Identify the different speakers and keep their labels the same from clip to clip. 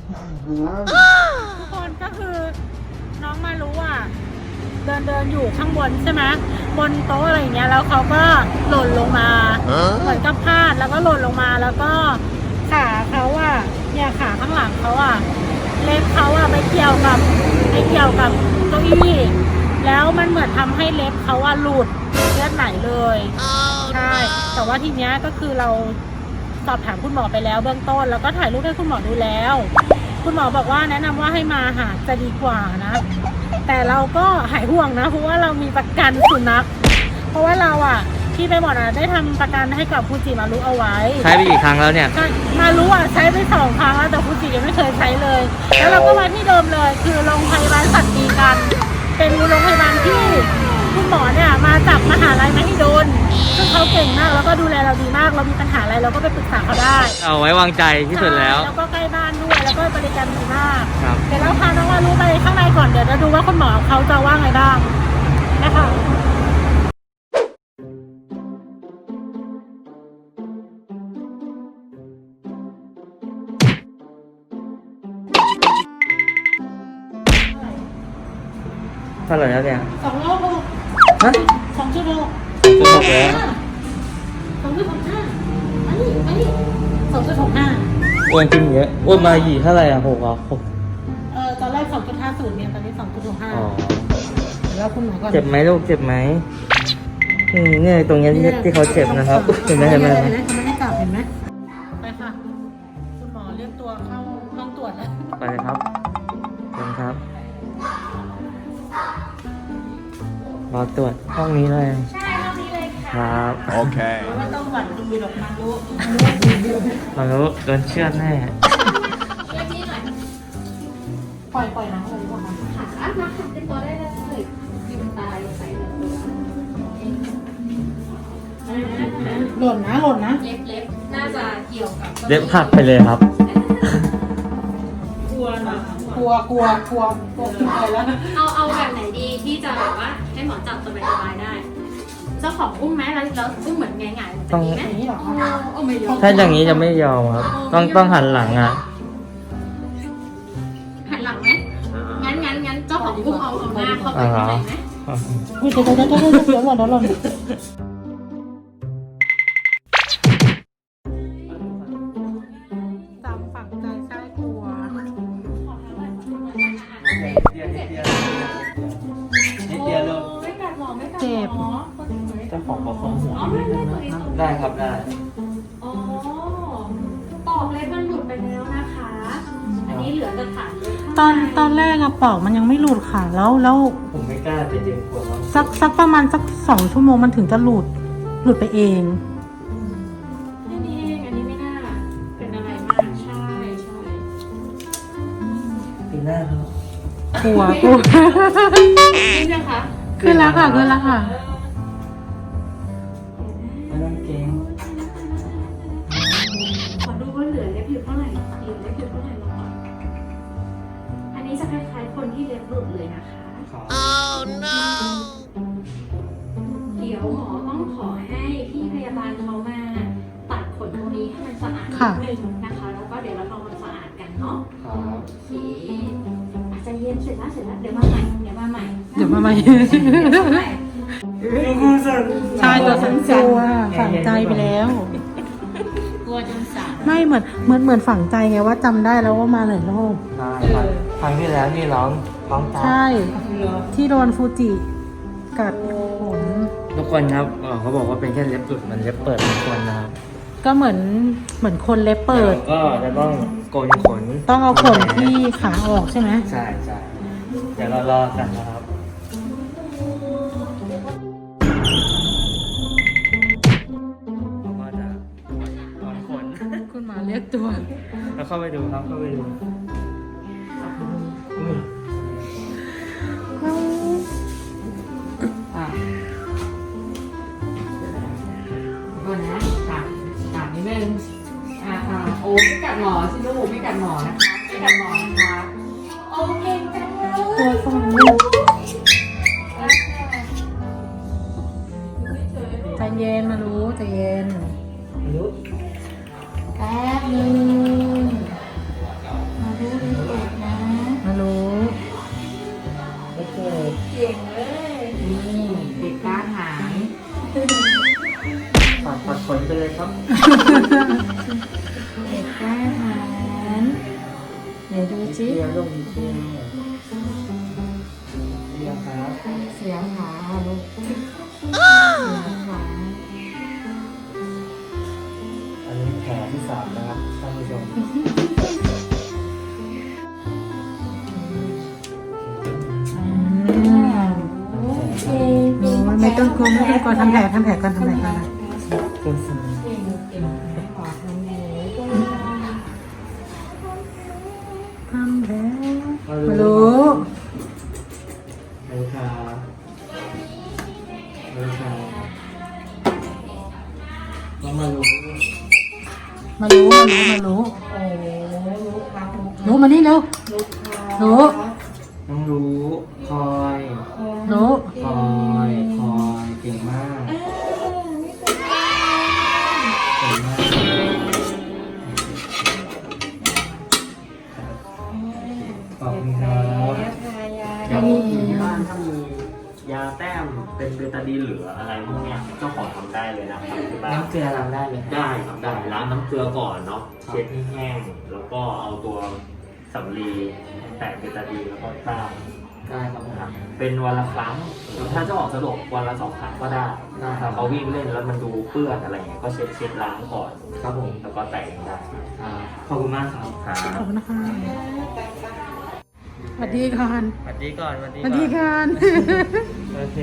Speaker 1: ทุกคนก็คือน้องมารู้ว่าเดินอยู่ข้างบนใช่ไหมบนโต๊ะอะไรอย่างเงี้ยแล้วเขาก็หล่นลงมาเหมือนกับพลาดแล้วก็หล่นลงมาแล้วก็ขาเขาอ่ะเนี่ยขาข้างหลังเขาอ่ะเล็บเขาอ่ะไปเกี่ยวกับเก้าอี้แล้วมันเหมือนทำให้เล็บเขาอ่ะหลุดเลือดไหลเลยใช่แต่ว่าทีเนี้ยก็คือเราสอบถามคุณหมอไปแล้วเบื้องต้นแล้วก็ถ่ายรูปให้คุณหมอดูแล้วคุณหมอบอกว่าแนะนำว่าให้มาหาจะดีกว่านะแต่เราก็หายห่วงนะเพราะว่าเรามีประกันสุนัขเพราะว่าเราอ่ะที่ไปหมดได้ทำประกันให้กับฟูจิมารุเอาไว้
Speaker 2: ใช้ไปกี่ครั้งแล้วเนี่ย
Speaker 1: มารุอ่ะใช้ไป2 ครั้งแล้วแต่ฟูจิยังไม่เคยใช้เลยแล้วเราก็มาที่เดิมเลยคือโรงพยาบาลสัตว์ดีกันเป็นโรงพยาบาลที่คุณหมอเนี่ยมาจากมหาลัยมหิดลซึ่งเขาเก่งมากแล้วก็ดูแลเราดีมากเรามีปัญหาอะไรเราก็ไปปรึกษาเขาได้
Speaker 2: เอาไว้วางใจที่สุดแล้ว
Speaker 1: แล้วก็ใกล้บ้านด้วยแล้วก็บริการดีมาก
Speaker 2: ครับ
Speaker 1: เดี๋ยวเราพาน้องมารุไปข้างในก่อนเดี๋ยวจะดูว่าคุณหมอเขาจะว่าไงบ้างนะคะ
Speaker 2: เท่าไหร่แล้วเนี่ย
Speaker 1: 2.6
Speaker 2: ฮะ
Speaker 1: 2.6
Speaker 2: 2.6แล้ว
Speaker 1: 2.65
Speaker 2: อ้วนขึ้นเยอะอ้วนมากี่เท่าไหร่อ่ะ6
Speaker 1: ตอนแรก 2.50 เนี่ยตอนนี้ 2.65
Speaker 2: อ๋อ
Speaker 1: แล้วคุณหมอก่อน
Speaker 2: เจ็บไหมลูกเจ็บไหมเนี่ยตรงนี้ที่เขาเจ็บนะครับเห็นไหม
Speaker 1: เขาไม่ให้กลับเห็นไหมไปค่ะคุณหมอเรียกตัวเข้าห้องตรวจแล้ว
Speaker 2: ไปเลยครับเชิญครับรอตรวจห้องนี้เลย
Speaker 1: ใช่ห้องนี้เลย
Speaker 2: ค
Speaker 1: ค่ะ
Speaker 2: รับ
Speaker 3: โอเค
Speaker 1: ไม่ต้องหวั่นดีหรอกมารู้
Speaker 2: โดนเชือดแน่
Speaker 1: ปล่อยน้องเลยดีกว่าค่ะ
Speaker 4: มาขัดเป็นตัวได้เลยยืนตายใส่
Speaker 1: หล่นนะ
Speaker 4: เล็บน่าจะเกี่ยวกับ
Speaker 2: เล็บหักไปเลยครับ
Speaker 1: กลัวขึ้นไปแล้ว
Speaker 4: เอาแบบไหนดีที่จะแบบว่าให้หมอจับสบายได้เจ้าของอุ้มไหมแล้วอุ้มเหมือนไงๆ
Speaker 2: ต้อง
Speaker 4: ไหม
Speaker 1: นี่หรอ
Speaker 4: ไม่ยอม
Speaker 2: ถ้าอย่างนี้จะไม่ยอมครับต้องหันหลังอ่ะ
Speaker 4: หันหลังไหมงั้นเจ้าของอุ้มเอาหน้าเข้าไปข้างในไหม
Speaker 1: เดี๋ยวหล่นจำฝังใจใช่กลัว
Speaker 4: ไม่กัดหมอ
Speaker 1: เจ็บ
Speaker 2: เจ้าของบอกเขาหัว
Speaker 4: ได้
Speaker 2: ครับได้
Speaker 4: อ๋อปอกเล็บมันหลุดไปแล้วนะคะอันนี้เหลือแต่ฐานเล็บ
Speaker 1: ตอนแรกอะปอกมันยังไม่หลุดค่ะแล้ว
Speaker 2: ผมไม่กล้าจะดึงกลัวครับ
Speaker 1: สักประมาณสัก2 ชั่วโมงมันถึงจะหลุดไปเอง
Speaker 4: อันนี้ไม่น่าเป็นอะไรมากใช่
Speaker 2: ปีหน้าครับ
Speaker 1: กลัว
Speaker 4: ขึ้นยังคะ
Speaker 1: ขึ้นแล้วค่ะ
Speaker 2: ไม่ต้องเกรง
Speaker 4: ขอดูว่าเหลือเล็บอยู่เท่าไหร่ลองก่อนอันนี้จะคล้ายๆคนที่เล็บหลุดเลยนะคะ
Speaker 3: Oh no
Speaker 4: เดี๋ยวหมอต้องขอให้พี่พยาบาลเขามาตัดขนตรงนี้ให้มันสะอาดนิดนึงนะคะแล้วก็เดี๋ยวเราทำความสะอาดกันเนาะโอเคอาจจะเย็นเสร็จแล้วเดี๋ยวมาใหม่
Speaker 1: ใช่ตัวฉันกลัวฝังใจไปแล้ว
Speaker 4: กลัวจนสั่น
Speaker 1: ไม่เหมือนฝังใจไงว่าจำได้แล้วว่ามาหลายรอบ
Speaker 2: ใช่ครับครั้งที่แล้วนี่ร้อง
Speaker 1: ใช่ที่โดนฟูจิกัดขน
Speaker 2: ทุกคนครับเขาบอกว่าเป็นแค่เล็บหลุดมันเล็บเปิดทุกคนนะครับ
Speaker 1: ก็เหมือนคนเล็บเปิด
Speaker 2: ก็จะต้องโกนขน
Speaker 1: ต้องเอาขนที่ขาออกใช่ไหม
Speaker 2: ใช่เดี๋ยวเรารอกันนะครับ
Speaker 1: คุณหมอเรียกตัว
Speaker 2: แล้วเข้าไปดูครับก่
Speaker 4: อนนะตัดนิดนึงโอ้ไม่กัดหมอสิลูกไม่กัดหมอนะคะโอเคจังเลย
Speaker 1: ตัวสั่นใจเย็นมารู้ใจเย็นแป๊บนึงมารู้
Speaker 2: เลยครับ
Speaker 4: เด็กกล้าหาญไหนดูจิ
Speaker 2: เดียวลงเดียวเดียวครับ
Speaker 4: เสียงหาลูกเสียงหา
Speaker 2: อันนี้แผลที่3นะครับท่านผู้ชม
Speaker 4: โอเค
Speaker 1: ไม่ต้องกลัวไม่ต้องกลัวทำแผลก่อนทำแผลก่อน
Speaker 2: เป็นสม
Speaker 4: เก่งเก่งขอทำเลย
Speaker 1: ทำแผล
Speaker 2: มา
Speaker 1: มารู้
Speaker 2: รู้ครับรู้ครับต้องมารู้
Speaker 1: มารู้
Speaker 4: โอ้ลูกค้า
Speaker 1: รู้มานี่เร็ว
Speaker 4: ลูกค้า
Speaker 1: รู้
Speaker 2: ต้องรู้คอย
Speaker 1: รู้
Speaker 2: คอยคอยเก่งมาก
Speaker 4: ไม่เป็นไร
Speaker 2: เก่งมากขอบคุณครับ
Speaker 4: ทายา
Speaker 3: อย่างที่บ้านถ้ามียาแต้มเป็นเบตาดีนเหลืออะไรพวกเนี้ยเจ้าของทำได้เลยนะครับที่บ้าน
Speaker 2: น้ำเกลือเราได้ไหม
Speaker 3: ได้ครับได้ล้างน้ำเกลือก่อนเนาะเช็ดให้แห้งแล้วก็เอาตัวสำลีแตะเบตาดีนแล้วก็ต้าม
Speaker 2: ได้ครับผม
Speaker 3: นะครับเป็นวันละครั้งหรือถ้าเจ้าของสะดวกวันละ2 ครั้งก็ได้
Speaker 2: ได้ค
Speaker 3: ถ้า
Speaker 2: รับ
Speaker 3: เขาวิ่งเล่นแล้วมันดูเปื้อนอะไรเงี้ยก็เช็ดล้างก่อน
Speaker 2: ครับผม
Speaker 3: แล้วก็แต่งได้
Speaker 2: ขอบคุณมากครับ
Speaker 3: ครับ
Speaker 1: ขอบคุณนะคะสวัสดีก่อน
Speaker 2: สวัสดีก่อนสวัสดี
Speaker 1: สวัสดีก่อน
Speaker 2: โอเค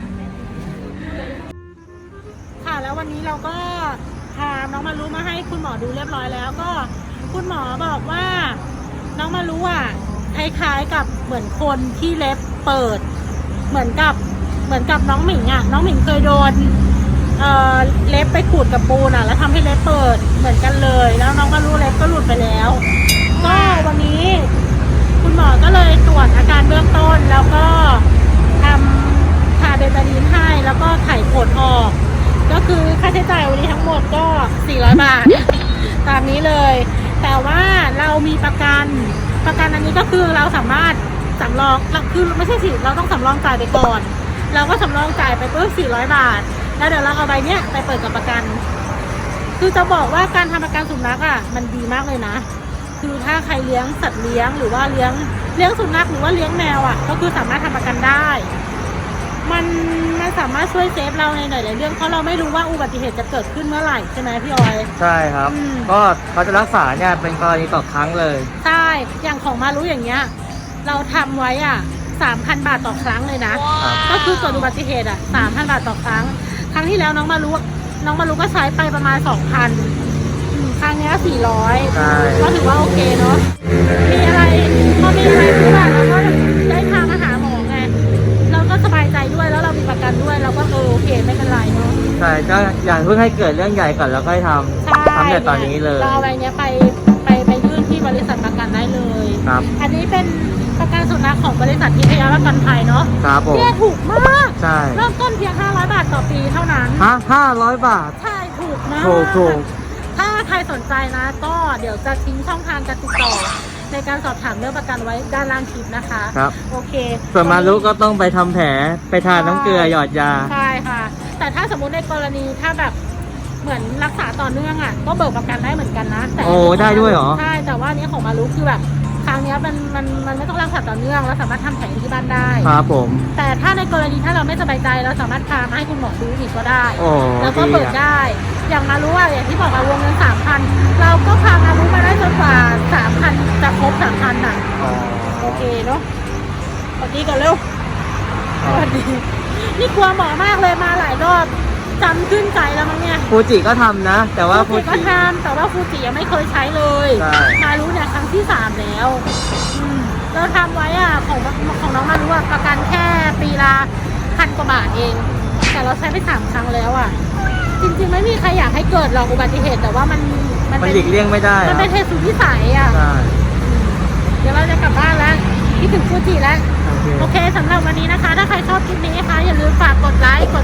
Speaker 1: ค่ะแล้ววันนี้เราก็พาน้องมารู้มาให้คุณหมอดูเรียบร้อยแล้วก็คุณหมอบอกว่าน้องมารู้อ่ะคล้ายๆกับเหมือนคนที่เล็บเปิด เหมือนกับน้องหมิงอ่ะน้องหมิงเคยโดนเล็บไปขูดกับปูนอ่ะแล้วทำให้เล็บเปิดเหมือนกันเลยแล้วน้องมารู้เล็บก็หลุดไปแล้วก็วันนี้คุณหมอก็เลยตรวจอาการเบื้องต้นแล้วก็ทำทาเบตาดีนให้แล้วก็ไขผลออก ก็คือค่าใช้จ่ายวันนี้ทั้งหมดก็400 บาท ตามนี้เลย แต่ว่าเรามีประกันอันนี้ก็คือเราสามารถสำรองคือไม่ใช่สิเราต้องสำรองจ่ายไปก่อน เราก็สำรองจ่ายไปปุ๊บ400 บาท แล้วเดี๋ยวเราเอาใบเนี้ยไปเปิดกับประกัน คือจะบอกว่าการทำประกันสุนัขอ่ะมันดีมากเลยนะ คือถ้าใครเลี้ยงสัตว์เลี้ยงหรือว่าเลี้ยงสุนัขหรือว่าเลี้ยงแมวอ่ะก็คือสามารถทำประกันได้ มันสามารถช่วยเซฟเราในหลายๆเรื่องเพราะเราไม่รู้ว่าอุบัติเหตุจะเกิดขึ้นเมื่อไหร่ใช่ไหมพี่ออย
Speaker 2: ใช่ครับ
Speaker 1: อืม
Speaker 2: ก็เขาจะรักษาเนี่ยเป็นกรณีต่อครั้งเลย
Speaker 1: ใช่อย่างของมารู้อย่างเงี้ยเราทำไว้อ่ะ 3,000 บาทต่อครั้งเลยนะ
Speaker 2: ครับ
Speaker 1: ก็คือเกิดอุบัติเหตุอ่ะ 3,000 บาทต่อครั้ง ครั้งที่แล้วน้องมารู้ก็ใช้ไปประมาณ 2,000ครั้งเนี้ย
Speaker 2: ใช่
Speaker 1: 400ก็ถือว่าโอเคเนาะมีอะไรพอมีอะไรที่แบบเราก็ได้พามาหาหมอไงเราก็สบายใจด้วยแล้วเรามีประกันด้วยเราก็โอเคไม่เป็นไรเนาะ
Speaker 2: ใช่ก็อย่างเพิ่งให้เกิดเรื่องใหญ่ก่อนแล้วค่อยท
Speaker 1: ใช่
Speaker 2: ำแต่ตอนนี้เลย
Speaker 1: เราเอาใบเนี้ยไปยื่นที่บริษัทประกันได้เลย
Speaker 2: ครับ
Speaker 1: อันนี้เป็นประกันสุนัขของบริษัททิพยประกันภัยเนาะ
Speaker 2: ครับผม
Speaker 1: เนี่ยถูกมาก
Speaker 2: ใช่
Speaker 1: เริ่มต้นเพียง500 บาทต่อปีเท่านั้น
Speaker 2: ฮะ500 บาท
Speaker 1: ใช่ถูกมาก
Speaker 2: ถูก
Speaker 1: ถ้าใครสนใจนะ ก็เดี๋ยวจะทิ้งช่องทางการติดต่อ ในการสอบถามเรื่องประกันไว้ด้านล่างคลิปนะคะ
Speaker 2: ครับ
Speaker 1: โอเค
Speaker 2: ส่วนมารุก็ต้องไปทำแผลไปทานน้ำเกลือหยอดยา
Speaker 1: ใช่ค่ะ แต่ถ้าสมมุติในกรณีถ้าแบบเหมือนรักษาต่อเนื่องอ่ะก็เบิกประกันได้เหมือนกันนะแต่
Speaker 2: โอ้ได้ด้วยเหรอ
Speaker 1: ใช่แต่ว่าอันนี้ของมารุคือแบบครั้งเนี้ยมันไม่ต้องรักษาต่อเนื่องเราสามารถทำแผลที่บ้านได้
Speaker 2: ครับผม
Speaker 1: แต่ถ้าในกรณีถ้าเราไม่สบายใจเราสามารถพามาให้คุณหมอดูอีกก็ได้
Speaker 2: โอ้
Speaker 1: แล้วก็
Speaker 2: ดี
Speaker 1: เบิก
Speaker 2: อะ
Speaker 1: ได้ อย่างมารู้ว่าอย่างที่บอกว่าวงเงิน 3,000 เราก็พามารู้มาได้จนกว่า 3,000 จะครบ 3,000 น่ะ
Speaker 2: อ๋อ
Speaker 1: โอเคเนาะสวัสดีกันเร็วสวัสดี นี่กลัวหมอมากเลยมาหลายรอบจำขึ้นใจแล้วมั้งเนี่ย
Speaker 2: ฟูจิก็ทำนะ แต่ว่าฟู
Speaker 1: ฟูจิก็
Speaker 2: จิ
Speaker 1: ทำแต่ว่าฟูจิยังไม่เคยใช้เลย
Speaker 2: ใช่
Speaker 1: มารู้เนี่ยครั้งที่ 3 แล้วเราทำไว้อ่ะของน้องมารู้อ่ะประกันแค่ปีละ1,000 กว่าบาทเอง แต่เราใช้ไป3 ครั้งแล้วอ่ะ จริงๆไม่มีใครอยากให้เกิดหรอกอุบัติเหตุแต่ว่ามัน
Speaker 2: มัน
Speaker 1: เป็น
Speaker 2: หลีกเลี่ยงไม่ได้
Speaker 1: มันเป็นเหตุสุดวิสัยอ่ะ
Speaker 2: ใช่
Speaker 1: เดี๋ยวเราจะกลับบ้านแล้วคิดถึงฟูจิแล้ว
Speaker 2: โอเค
Speaker 1: โอเคสำหรับวันนี้นะคะ ถ้าใครชอบคลิปนี้นะคะอย่าลืมฝากกดไลค์ก